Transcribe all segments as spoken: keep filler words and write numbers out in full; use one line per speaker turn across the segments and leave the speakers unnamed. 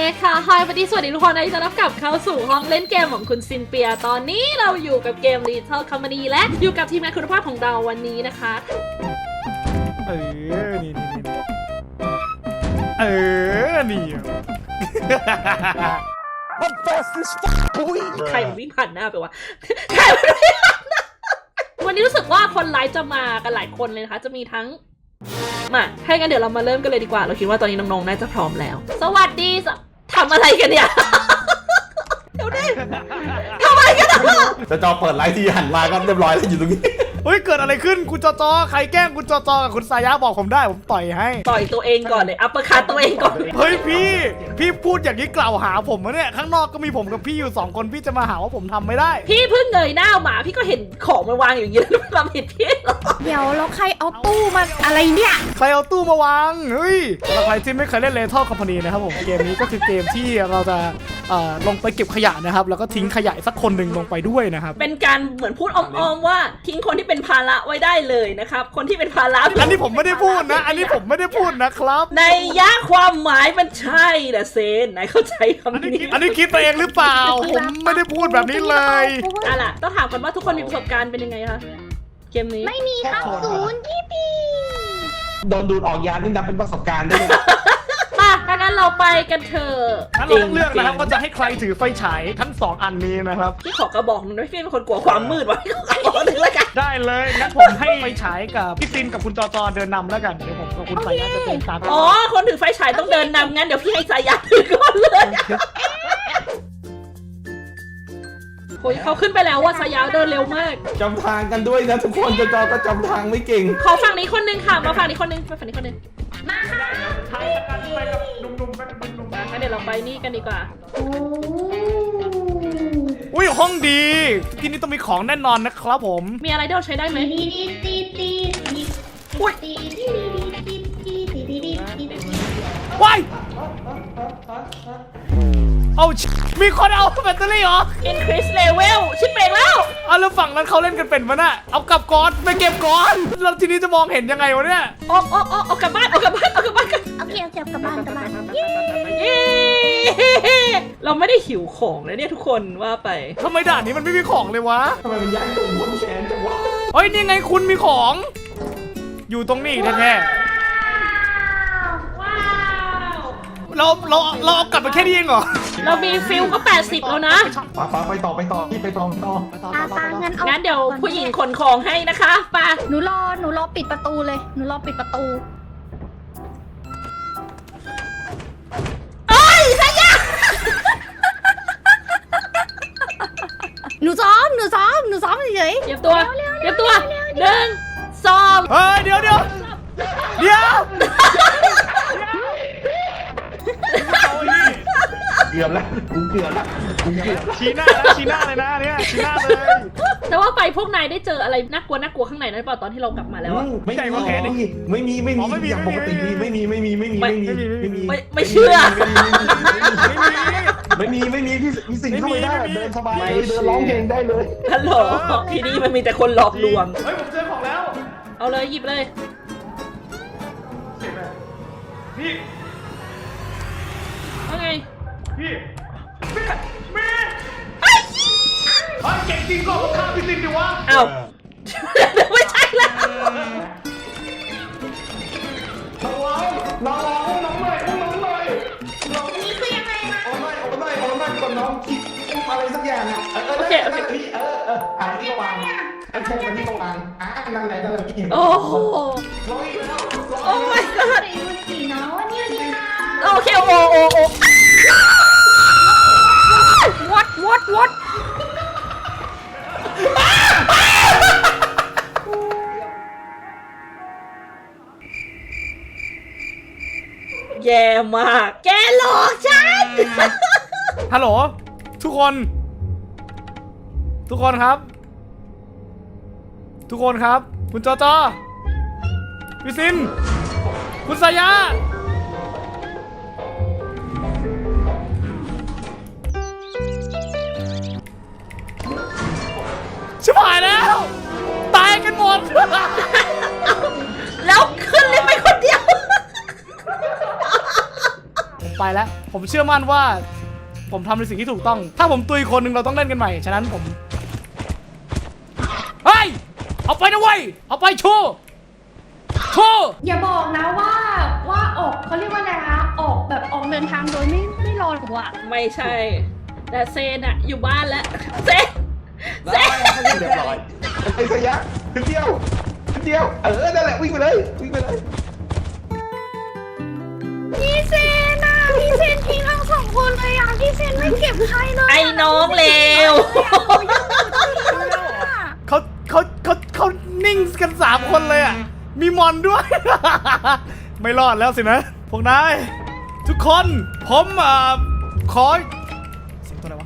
ค่ะฮายวันนี้สวัสดีทุกคนนะที่จะรับกลับเข้าสู่ห้องเล่นเกมของคุณซินเปียตอนนี้เราอยู่กับเกม Little Company และอยู่กับทีมงานคุณภาพของเราวันนี้นะคะ
เออนี่นี่นี่เออนี่
ใครมันวิ่งผ่านหน้าไปวะใครมันวิ่งผ่านหน้าวันนี้รู้สึกว่าคนไลฟ์จะมากันหลายคนเลยนะคะจะมีทั้งมาให้กันเดี๋ยวเรามาเริ่มกันเลยดีกว่าเราคิดว่าตอนนี้น้องๆน่าจะพร้อมแล้วสวัสดีทำอะไรกันเนี่ยเดี๋ยวดิทำอะไรกันอ่ะ
จะจอเปิดไลฟ์ที่หันมาก็เรียบร้อยแล้วอยู่ตรงนี้
เฮ้ยเกิดอะไรขึ้นคุณจอจอใครแกล้งคุณจอจอกับคุณสายะบอกผมได้ผมต่อยให้
ต่อยตัวเองก่อนเลยอัปเปอร์คัตตัวเองก่อน
เฮ้ยพี่พี่พูดอย่างนี้กล่าวหาผมนะเนี่ยข้างนอกก็มีผมกับพี่อยู่สองคนพี่จะมาหาว่าผมทำไม่ได้
พี่เพิ่งเงยหน้ามาพี่ก็เห็นของมันวางอยู่อย่างนี้แล้วมันผิดพี่หรอ
เดี๋ยวแล้วใครเอาตู้มาอะไรเนี่ย
ใครเอาตู้มาวางเฮ้ยสำหรับใครที่ไม่เคยเล่น Little Company นะครับผมเกมนี้ก็คือเกมที่เราจะลงไปเก็บขยะนะครับแล้วก็ทิ้งขยะสักคนหนึ่งลงไปด้วยนะครับ
เป็นการเหมือนพูดอ้อมๆว่าทิ้งคนที่เป็นภาระไว้ได้เลยนะครับคนที่เป็นภาระ
อันนี้ผมไม่ได้พูดนะอันนี้ผมไม่ได้พูดนะครับ
ในยะความหมายมันใช่นะเซนไหนเข้าใจคำนี้
อันนี้คิดไปเองหรือเปล่าผมไม่ได้พูดแบบนี้เลย
อ่ะล่ะต้องถามกันว่าทุกคนมีประสบการณ์เป็นยังไงคะเกมนี้
ไม่มีครับศูนย์ยี่ปี
โดนดูดออกยานี่นับเป็นประสบการณ์ได้ไหม
มาถ้างั้นเราไปกันเถอะ
งั้นเราต้องเลือกนะครับว่าจะให้ใครถือไฟฉายทั้งสองอันนี้นะครับ
พี่ขอกระบอกหนึ่งนะพี่เป็นคนกลัวความมืดวะพี่ขอกระบอกหนึ่งแล้วกัน
ได้เลยงั้นผมให้ไฟฉายกับพี่ตินกับคุณจอจอเดินนำแล้วกันเดี๋ยวผมกับคุณสายะจะเดินตาม
อ๋อคนถือไฟฉายต้องเดินนำงั้นเดี๋ยวพี่ให้สายะถือก่อนเลยโอ้ยเขาขึ้นไปแล้วว่าสายะเดินเร็วมาก
จำทางกันด้วยนะทุกคนจอจอก็จำทางไม่เก่ง
ขอฝั่งนี้คนนึงค่ะมาฝั่งนี้คนนึงมาฝั่งนี้คนนึง
มาค่ะ
ทางกันไปกับหนุ่มๆไปกับหนุ่มๆ
งั้นเดี๋ยวเราไปนี่กันดีกว่า
อุ้ยห้องดีที่นี่ต้องมีของแน่นอนนะครับผม
มีอะไรที่เราใช้ได้ไหม
ว้ายเอามีคนเอาแบตเตอรี่เหรอ
increase level ชิปเองแล้ว
เอาแล้วฝั่งนั้นเขาเล่นกันเป็นปะน่ะเอากลับก่อนไปเก็บก่อนแล้วทีนี้จะมองเห็นยังไงวะเนี่ย
ออกออกออกออกกลับบ้านออกกลับบ้านออกกลับบ้านกัน
โอเคเอาเก็บกลับบ้านกลับบ้าน
เย้เราไม่ได้หิวของเลยเนี่ยทุกคนว่าไป
ทำไมด่านนี้มันไม่มีของเลยวะ
ทำไมมันยากตรงบนแขนจังวะ
เฮ้ยนี่ไงคุณมีของอยู่ตรงนี้แท้เราเราเราเอากลับมาแค่นี้เองเหรอ
เรามีฟิลก็แปดสิบแล้วนะ
ไปไปไปต่อไปต่อที่ไปต่อต่อ
งั้นงั้นเดี๋ยวผู้หญิงขนของให้นะคะไป
หนูรอหนูรอปิดประตูเลยหนูรอปิดประตู
เอ้ยสายะ
หนูซ้อมหนูซ้อมหนูซ้อมเฉย
ๆเตรียมตัวเตรียมตัวหนึ่งสอง
เฮ้ยเดี๋ยวเดี๋ยวเดี๋ยว
เกือบแล้วกูเกือบแล้วกูเกือบ
ชี้หน้านะชี้หน้าเลยนะเนี่ยชี้หน้าเลย
แต่ว่าไปพวกนายได้เจออะไรน่ากลัวน่ากลัวข้างในนั้นเปล่าตอนที่เรากลับมาแล้วอะ
ไม่ใช่ว่าแผลไม่มีไม่มีไม่มีอย่างปกติไม่มีไม่มีไม่มีไม่มีไม่มี
ไม่เชื่อ
ไม่มีไม่มีพี่พี่สิงเข้าไปได้เดินสบายเลยเดินร้องเพลงได้เลย
ฮัลโหลที่นี่มันมีแต่คนหลอกลวง
เฮ้ยผมเจอของแล้ว
เอาเลยหยิบเลย
พี่
ว่าไง
พี่มีมีเฮ้ยเก่งจริงก็ผมฆ่าพี่สิงดิวะ
อ้าวไม่ใช่แล้ว
น้องน้องน้องเลยน้องเลยน้อง
นี่คือยังไงนะ
โอ้ไม่โอ้ไม่โอ้ไม่ก่อนน้องคิดอะไรสักอย่างอ่ะ
โอเคโอเค
เออเอออ่านที่วางโอเคมาที่วางอ่ะนั่นแหละนั่นแหละพี่
โอ้โห
ร้องอีกแล้ว
โอ้ my god
เนาะเนี่ยนี่ค่ะ
โอเคโอ้โอ้โอ้ what what what แย่มากแกหลอกฉัน
ฮัลโหลทุกคนทุกคนครับทุกคนครับคุณจอจอพี่ซินคุณสายะชิบหายแล้วตายกันหมด
แล้วขึ้นเลยไปคนเดียว
ไปแล้วผมเชื่อมั่นว่าผมทำในสิ่งที่ถูกต้องถ้าผมตุยคนหนึ่งเราต้องเล่นกันใหม่ฉะนั้นผมเฮ้ยเอาไปนะเว้ยเอาไปโชว์โชว์
อย่าบอกนะว่าว่าออกเขาเรียกว่าอะไรคะออกแบบออกเดินทางโดยไม่ไม่รอหรือวะ
ไม่ใช่ แต่เซนอะอยู่บ้านแล้วเซนเซน
เรียบร้อยไอ้สยะขึ้นเดียวขึ้นเดียวเออนั่นแหละวิ่งไปเลยวิ่งไปเลย
พี่เซนอะพี่เซนทิ้งทั้งสองคนเลยอะพี่เซนไม่เก็บใครเลย
ไอ้น้องเลว
เขาเขาเขาเขานิ่งกันสามคนเลยอ่ะมีมอนด้วย ไม่รอดแล้วสินะพวกนายทุกคนผมเอ่อขอเสียงตัวอะไรวะ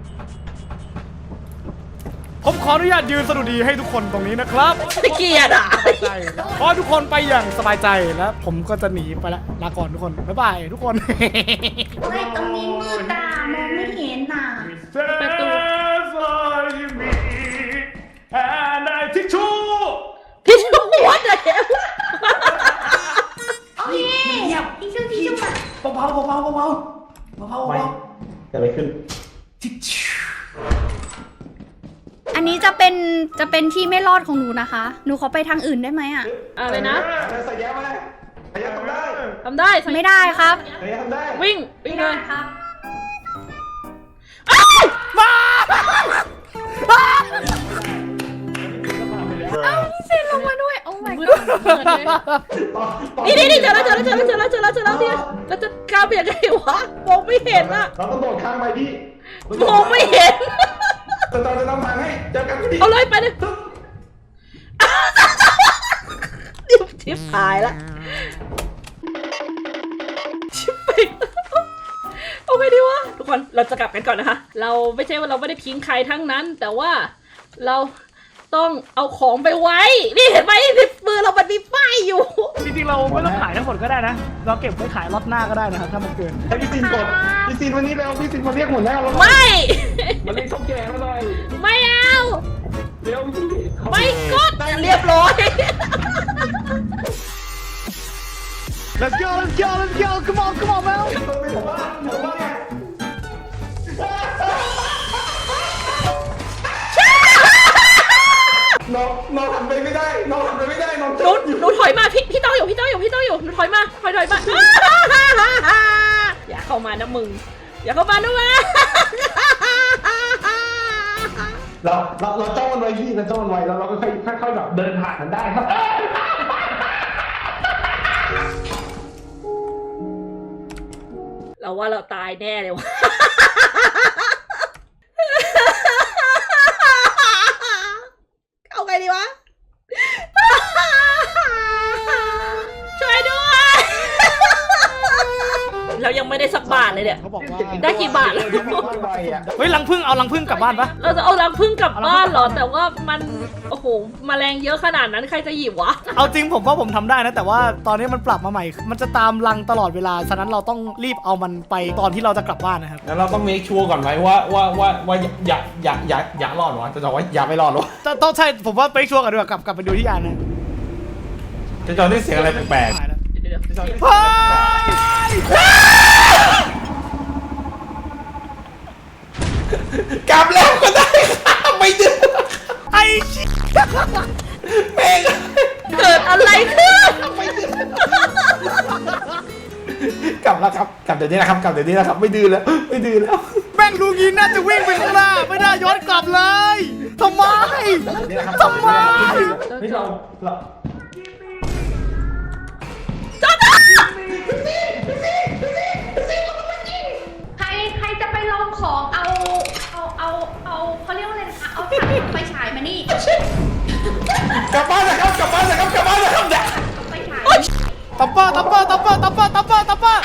ผมขออนุญาตยืนสดุดีให้ทุกคนตรงนี้นะครับ
ตะเกียดอ่ะ
ขอให้ทุกคนไปอย่างสบายใจแล้วผมก็จะหนีไปแล้วลาก่อนทุกคนบ๊ายบายทุกคน
เฮ้ยตรงนี้มืดอะมองไม่เห็นน่ะ
ประตู
and I take two
พี่ชูวัดเลย
โอเคพี่ชูพี่ชูมา
เบาๆเบาๆเบาๆเบาๆไม่จะไปขึ้น
อันนี้จะเป็นจะเป็นที่ไม่รอดของหนูนะคะหนูขอไปทางอื่นได้ไหมอะ
อะไรนะ
สยะมาสยะทำได้
ทำได้
ไม่ได้ครับ
สยะทำได้
วิ่งวิ่งเลย
ครับ พี่เซนลงมาด้วย โอ้ my
มืด
god
มืดเลยนี่นี่นี่เจอแล้วเจอแล้วเจอแล้วเจอแล้วเจอแล้วเจอแล้วเนี่ยเราจะข้ามไปยังไงวะมองไม่เห็นอะ
เราต้องโดดข้ามไปพี่
มองไม่เห็น
จะตอนจะนำทางให้เจอกันพี่
เอาเลยไปเลยดิบชิบหายละชิบไปเอาไงดีวะทุกคนเราจะกลับกันก่อนนะคะ เราไม่ใช่ว่าเราไม่ได้ทิ้งใครทั้งนั้น แต่ว่าเราต้องเอาของไปไว้ นี่เห็นไหมที่มือเรามันมีป้ายอยู่
จริงๆเราไม่ต้องขายทั้งหมดก็ได้นะ เราเก็บไว้ขายรอบหน้าก็ได้นะครับถ้ามันเกิน
ให้พี่ซินกดพี่ซินวันนี้แล้วพี่ซินมาเรียกหัวหน้าเรา
ไม่
มาเรียกเท่าแก่มาหน่อย
ไม่เอา
เดี๋ยวพี่
ไม่กดเรียบร้อย
Let's go Let's go Let's go Come on Come on man
ต้องไปผมว่าผมว่าไงน้องน้องทำไปไม่ได้น้องทำไปไม่ได้น้อง
หนูหนูถอยมาพี่พี่ต้องอยู่พี่ต้องอยู่พี่ต้องอยู่หนูถอยมาถอยถอยมา อย่าเข้ามานะมึงอย่าเข้ามานะมึง
เราเราเราจ้องมันไว้พี่เราจ้องมันไว้แล้วเราก็ค่อยค่อยๆแบบเดินผ่านมันได้ครับ
เราว่าเราตายแน่เลยวะ เอาไงดีวะ ช่วยด้วย เรายังไม่ได้สักบาทเลยเนี่ย
เขาบอกว่า
ได้กี่บาทแล้ว
เฮ้ยรังผึ้งเอารังผึ้งกลับบ้านปะ
เราจะเอารังผึ้งกลับบ้านเหรอ แต่ว่ามัน โอ้โหแมลงเยอะขนาดนั้นใครจะหยิบวะ
เอาจริงผมว่าผมทำได้นะ แต่ว่าตอนนี้มันปรับมาใหม่ มันจะตามรังตลอดเวลา ฉะนั้นเราต้องรีบเอามันไปตอนที่เราจะกลับบ้านนะครับ
แล้วเราต้องเมคชัวร์ก่อนไหมว่าว่าว่าว่าอย่าอย่าอย่าอย่ารอดวะจะบอกว่าอย่าไม่รอดวะ
ต้องต้องใช่ผมว่าไปชัวร์กันด้วยกลับกลับไปดูที่ยานนะ
จะจอได้เสียงอะไรแปลก
หายแล้ว
เดี๋ยวเดี๋ยว
เฮ้ย
ๆกลับแล้วก็ได้ค่ะไม่ดื้อ
ไอ้ชิ
แม่ง
เกิดอะไรขึ้น
กลับแล้วครับกลับเดี๋ยวนี้นะครับกลับเดี๋ยวนี้นะครับไม่ดื้อแล้วไม่ดื้อแล้ว
แม่งดูงี้น่าจะวิ่งไปข้างหน้าไม่น่าย้อนกลับเลยทำไม
นี่นะครับ
ทำไม
นี่เราเรา
ใครใครจะไปลองของเอาเอาเอาเอาเขาเรียกว่าอะไรนะคะเอาถังไฟฉายมานี่
กลับบ้านนะครับกลับบ้านนะครับกลับบ้านนะครับเด็ก
ไฟฉาย
ตับเปอร์ตับเปอร์ตับเปอร์ตับเปอร์ตับเปอร์ตับเปอร์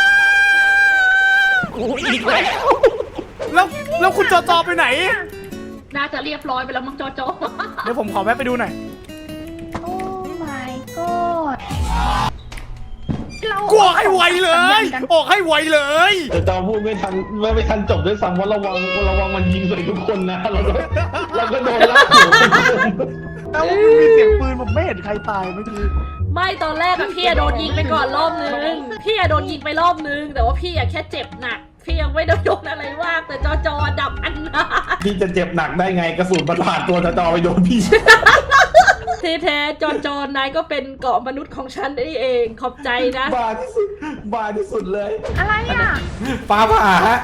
อีกแล้วแล้วแล้วคุณจอจอไปไหน
น่าจะเรียบร้อยไปแล้วมั้งจอจอ
เดี๋ยวผมขอแวะไปดูหน่อย
โอ้ my god เรา
กลัวให้ไวเลย ออกให้ไวเลย
แต่จอพูดไม่ทันไม่ไม่ทันจบด้วยซ้ำว่าระวังระวังมันยิงใส่ทุกคนนะเราก็เราก็โดนลากหัว
แล้วมันมีเสียงปืนผมไม่เห็นใครตายเมื่อกี้
ไม่ตอนแรกอะพี่อะโดนยิงไปก่อนรอบนึงพี่อะโดนยิงไปรอบนึงแต่ว่าพี่อะแค่เจ็บหนักพี่ยังไม่ได้โดนอะไรมากแต่จอจอดับอันนา
พี่จะเจ็บหนักได้ไงกระสุนมันผ่านตัวจะจอไปโดนพี่
ที่แท้จอนจอนนายก็เป็นเกาะมนุษย์ของฉันได้เองขอบใจนะ
บาที่สุดบาที่สุดเลย
อะไรอ่ะ
ฟ้าผ่าฮะ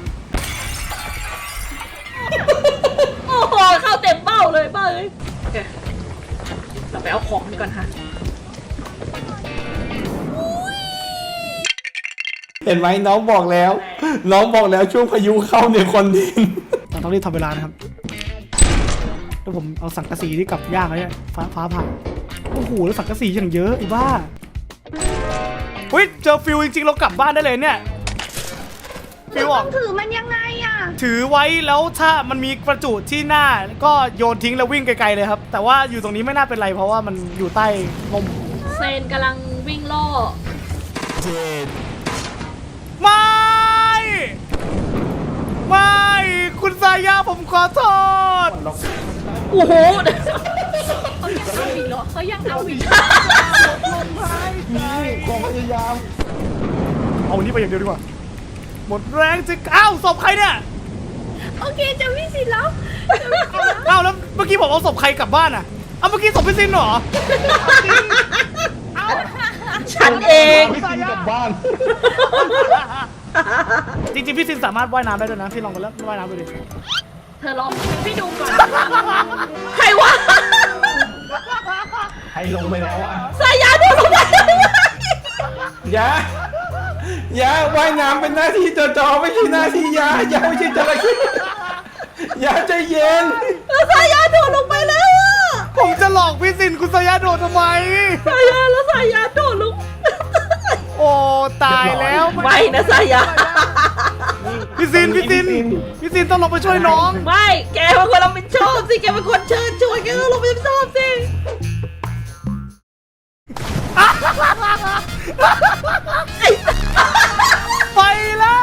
โอ้โหเข้าเต็มเป้าเลยเป้าเลยโอเคเราไปเอาของดีก่อนค่ะ
เห็นไหมน้องบอกแล้ว น้องบอกแล้วช่วงพายุเข้าเนี่ยคนดิน
เราต้องรีบทำเวลานะครับแล้วผมเอาสังกะสีที่กลับยากเลยเนี่ยฟ้าฟ้าผ่าโอ้โหแล้วสังกะสีอย่างเยอะอีบ้าเฮ้ยเจอฟิวจริงๆเรากลับบ้านได้เลยเนี่ยฟิวออก
ถือมันยังไงอ่ะ
ถือไว้แล้วถ้ามันมีประจุที่หน้าก็โยนทิ้งแล้ววิ่งไกลๆเลยครับแต่ว่าอยู่ตรงนี้ไม่น่าเป็นไรเพราะว่ามันอยู่ใต้ลม
เซนกำลังวิ่งล่อ
ไม่ไม่คุณสายาผมขอโทษ
โอ้โห
เขายังเอาอีก
ความพยายาม
เอาอันนี้ไปอย่างเดียวดีกว่าหมดแรงจะอ้าวศพใครเนี่ย
โอเคเจะพี่สิแล้ว
อ้าวแล้วเมื่อกี้ผมเอาศพใครกลับบ้านอ่ะเอาเมื่อกี้ศพพี่ซินเหรอ
ฉันเอง
พี่ซินกลับบ้าน
จริงๆพี่ซินสามารถว่ายน้ำได้ด้วยนะพี่ลองไปแล้วว่ายน้ำดูดิ
เธอลองพี่ดูก่อนใครวะ
ให้ลงไปแล้วอ่ะ
สายยาดูลงไป
อย่าอย่าว่ายน้ำเป็นหน้าที่จอจอไม่ใช่หน้าที่ยาอย่าไม่ใช่จระเข้อย่าใจเย็น
สายยาโดดลงไปแล้วอะ
ผมจะหลอกพี่ซินคุณสายาโดดทำไม
สายยาแล้วสายยาโดดลง
โอ้ตายแล้ว
ไม่นะสายยา
พี่ซินพี่ซินพี่ซินต้องลงไปช่วยน้อง
ไม่แกเป็นคนรับผิดชอบสิแกเป็นคนเชิญชวนแกต้องรับผิดชอบสิ
ไปแล้ว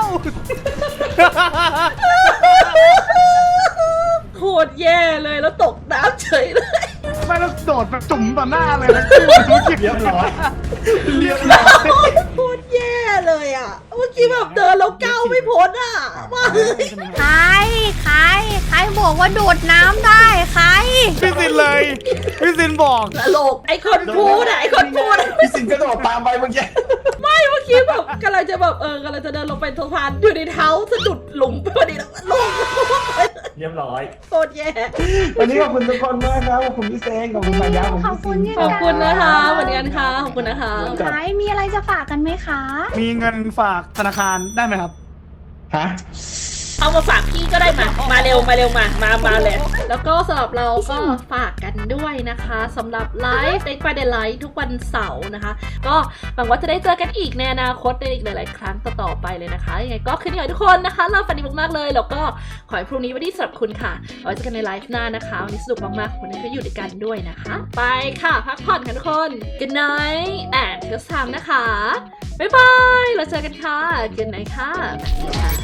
โคตรแย่เลยแล้วตกน้ำเฉยเลย
ไม่แล้วโดดแบบจุ่มต่อหน้าเลยนะ
เรียบร้อยเรียบร้อย
โคตรแย่เลยอ่ะเมื่อกี้แบบเดินแล้วก้าวไม่พ้นอ่ะว่าเฮ้ย
ใคร ใคร ใครบอกว่าโดดน้ำได้ ใคร
พี่ซินเลยพี่ซินบอก
ตลกไอคนพูดอะไอคนพูดอะ
พี่ซินกระโดดตามไปเมื่อกี้
ไม่เมื่อกี้แบบกำลังจะแบบเออกำลังจะเดินลงไปสะพานอยู่ในเท้าสะดุดหลุมไปพอดีแล้วลง
เรียบร้อย
โคตรแย่
วันนี้ขอบคุณทุกคนมากครับขอบคุณพี่เซงขอบคุณมายาขอบ
ขอบคุ
คุณ ณ
เนี่ย
ขอบคุณนะคะเหมือนกันค่ะขอบคุณนะคะ
ใครมีอะไรจะฝากกันไหมคะ
มีเงินฝากธนาคารได้ไหมครับ
ฮะ
เอามาฝากพี่ก็ได้มา มาเร็วมาเร็วมา มามาเลย แล้วก็สำหรับเราก็ฝากกันด้วยนะคะสำหรับไลฟ์ Day by Day Life ทุกวันเสาร์นะคะ ก็หวังว่าจะได้เจอกันอีกในอนาคตในอีกหลาย ๆ ครั้งต่อๆไปเลยนะคะยังไงก็คืนนี้ขอให้ทุกคนนะคะเราฝันดีมากๆเลยแล้วก็ขอให้พรุ่งนี้วันที่สำหรับคุณค่ะเอาไว้เจอกันในไลฟ์หน้านะคะวันนี้สนุกมากๆวันนี้ก็อยู่ด้วยกันด้วยนะคะ ไปค่ะพักผ่อนกันทุกคน Good night and good time นะคะบ๊ายบายเราเจอกันค่ะ Good night ค่ะสวัสดีค่ะ